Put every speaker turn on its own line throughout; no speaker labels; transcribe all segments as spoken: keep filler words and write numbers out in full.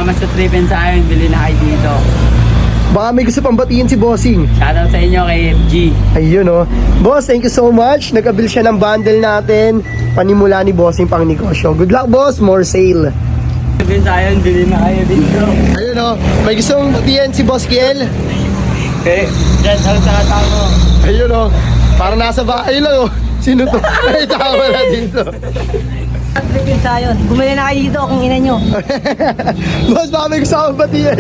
Salamat sa trip and sa amin. Bili na kayo dito.
Baka may gusto pang batiin si Bossing.
Shoutout sa inyo kay F G.
Ayun oh. Boss, thank you so much. Nag-abil siya ng bundle natin. Panimula ni Bossing pang negosyo. Good luck, boss. More sale.
Trip and sa amin. Bili na kayo dito.
Ayun oh. May gustong batiin si Boss Kiel.
Okay. Dyan, sa tao.
Ayun oh. Para nasa bahay lang oh. Sino to? Ay, tama na dito.
Tripin tayo. Bumili na kayo dito kung ina nyo.
Boss, baka may gusto akong batiin.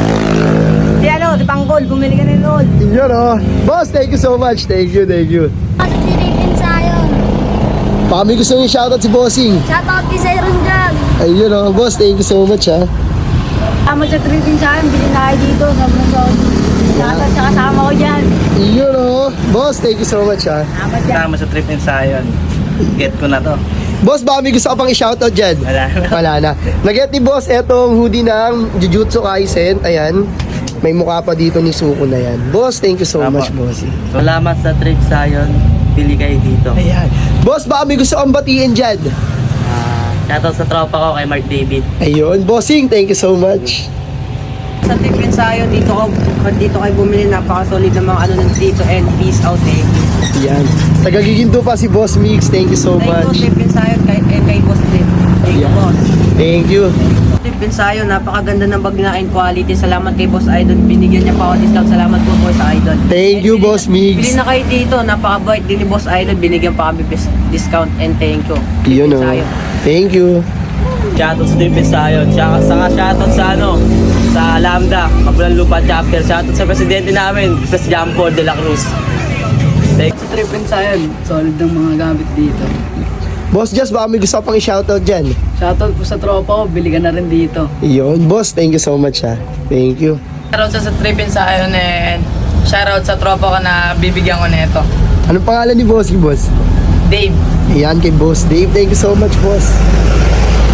Di ano, di panggol. Bumili ka na noon.
Yun oh. Boss, thank you so much. Thank you, thank you.
Tripin tayo.
Baka may gusto yung shoutout si Bossing.
Shoutout kay Siron dyan.
Ayun oh. Boss, thank you so much ha.
Tama sa tripin sa akin. Bili na kayo dito. Sobrang sobrang. Shoutout sa kasama ko dyan.
Yun oh. Boss, thank you so much ha.
Tama dyan.
Salamat sa trip and sa amin. Get ko na to.
Boss, baka may gusto ka pang i-shoutout dyan?
Wala na.
Wala na. Nag-get ni Boss etong hoodie ng Jujutsu Kaisen. Ayan. May mukha pa dito ni Suko na yan. Boss, thank you so
Apo.
much, boss.
Salamat sa trip sa amin. Bili kayo dito.
Ayan. Boss, baka may gusto kang batiin dyan?
Ah, shoutout sa tropa ko kay Mark David.
Ayun. Bossing, thank you so much.
Sa tripin tayo. Dito ko. Dito kayo bumili. Napaka-solid ng mga ano ng dito. And peace out eh.
Ayan. Tagagiginto pa si Boss Mix. Thank you so
Thank you,
much.
Tripin tayo. Kay, eh, kay Boss Trip. Thank you,
Yeah.
boss.
Thank you.
Tripin tayo. Napakaganda ng bag na and quality. Salamat kay Boss Idol. Binigyan niya pa ako discount. Salamat po, Boss Idol.
Thank you,
Bili
Boss
na-
Migs.
Bili na kayo dito. Napaka-bait din ni Boss Idol. Binigyan pa kami bis- discount and thank you.
Yun
Tripin
oh.
tayo.
Thank you.
Shoutout sa trip and sa amin. Saka, saka shoutout sa ano, sa Lambda, Mabulang Lupa Chapter. Shoutout sa presidente namin, Pres Jean Paul de la Cruz. Thank
Sa trip and sayon, solid ng mga gamit dito.
Boss Just, baka may gusto ka pang i-shoutout dyan?
Shoutout po sa tropa ko, bili ka na rin dito.
Yun. Boss, thank you so much ha. Thank you.
Shoutout sa trip and sayon and shoutout sa tropa ko na bibigyan ko nito.
Anong pangalan ni Bossing, boss?
Dave.
Ayan kay Boss Dave. Thank you so much, boss.